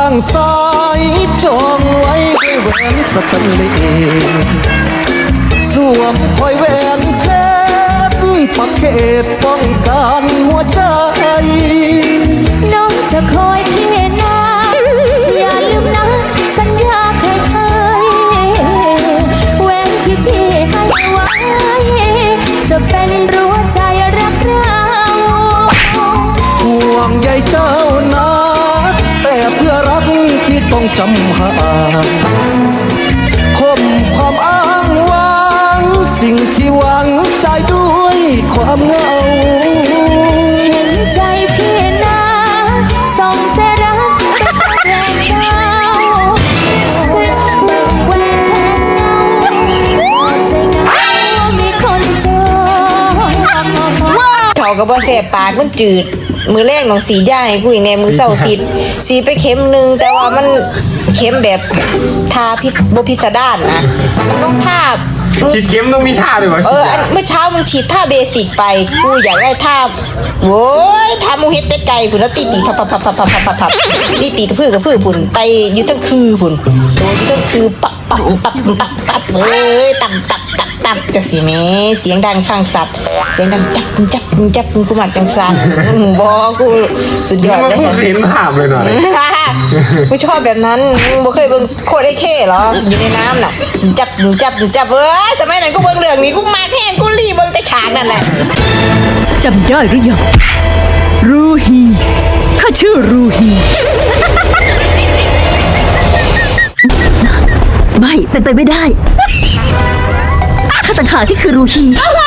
างซ้ายจองไว้ด้วยแหวนสแตนเลสสวมคอยแหวนเพชรประเขตป้องกันหัวใจน้องจะคอยพี่นะอย่าลืมนะสัญญาเคยแหวนที่พี่ให้ไว้จะเป็นรั้วใจรักเราห่วงใยเจ้านะแต่เพื่อรักพี่ต้องจำห่างคมความอ้างว้างสิ่งที่หวังใจด้วยความเหงาเห็นใจพี่นะส่งใจรักเป็นแรงเก้าเบิ่งแหวนแทนเงาใจเหงามีคนจองเขาก็บ่แสบปากมันจืดมือแรกของสีย่ายผู้หญิงในมือเศร้าสีไปเข็มนึงแต่ว่ามันเข็มแบบทาพิษบ่พิสดารนะมันต้องทาฉีดเข็มต้องมีท่าด้วยวะเมื่อเช้ามึงฉีดท่าเบสิกไปกูอยากได้ท่าโว้ยท่ามูเฮ็ดเป็ดไก่ผุนแล้วตีปีกพับตีปีกกระพือกระพือผุนไปอยู่ตั้งคือผุนโดยอยู่ตั้งคือปับตับจะสีเมเสียงดังฟังสับเสียงดังจับกูมักจังสันบอกูสุดยอดเลยพูดเสียงภาพเลยหน่อยกูชอบแบบนั้นบ่เคยเบิ่งโคตรไอ้เข้เหรออยู่ในน้ำน่ะจับเว้ยสมัยนั้นกูเบิ่งเรื่องนี้กูมาแห้งกูรีเบิ่งแต่ฉากนั่นแหละจำได้หรือยังรูฮีข้าชื่อรูฮีไม่เป็นไปไม่ได้ข้าต่างหากที่คือรูฮี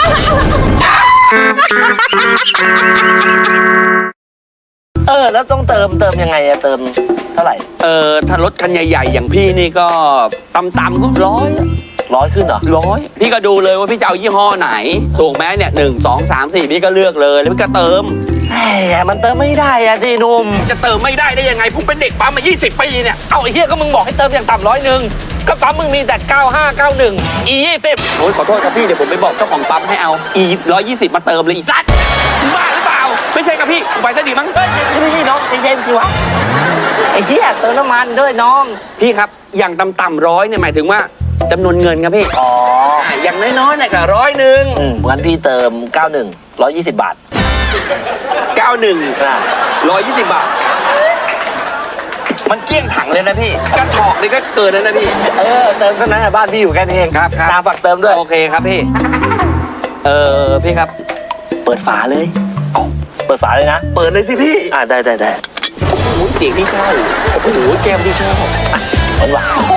แล้วต้องเติมยังไงอะเติมเท่าไหร่ถ้ารถคันใหญ่ๆอย่างพี่นี่ก็ต่ำๆก็ร้อยขึ้นเหรอ 100พี่ก็ดูเลยว่าพี่จะเอายี่ห้อไหนถูกไหมเนี่ย1 2 3 4พี่ก็เลือกเลยแล้วพี่ก็เติมแหมมันเติมไม่ได้อะดิหนุ่มจะเติมไม่ได้ได้ยังไงผมเป็นเด็กปั๊มมา20 ปีเนี่ยเอาไอ้เหี้ยก็มึงบอกให้เติมอย่างต่ำ100ก็ปั๊มมึงมีแต่95 91 E20 โอ้ยขอโทษครับพี่เดี๋ยวผมไปบอกเจ้าของปั๊มให้เอา E120มาเติมเลยอีสัตว์บ้าหรือเปล่าไม่ใช่ครับพี่ไปซะดีมั้งไม่ใช่น้องใจเย็นสิวะไอ้เหี้ยเติมน้ำมันด้วยน้องพี่ครับอย่างต่ำ100เนี่ยหมายถึงว่าจำนวนเงินครับพี่อย่างน้อยๆเนี่ยก็100 งั้นพี่เติม91 120 บาท 120 บาทมันเกลี้ยงถังเลยนะพี่กระถอกนี่ก็เกินแล้วนะพี่เติมเท่านั้นบ้านพี่อยู่แค่นี้เองครับตาฝากเติมด้วยโอเคครับพี่พี่ครับเปิดฝาเลยเปิดฝาเลยนะเปิดเลยสิพี่ได้โอ้โหเสียงที่ใช่โอ้โหแก้มที่ชอบหวาน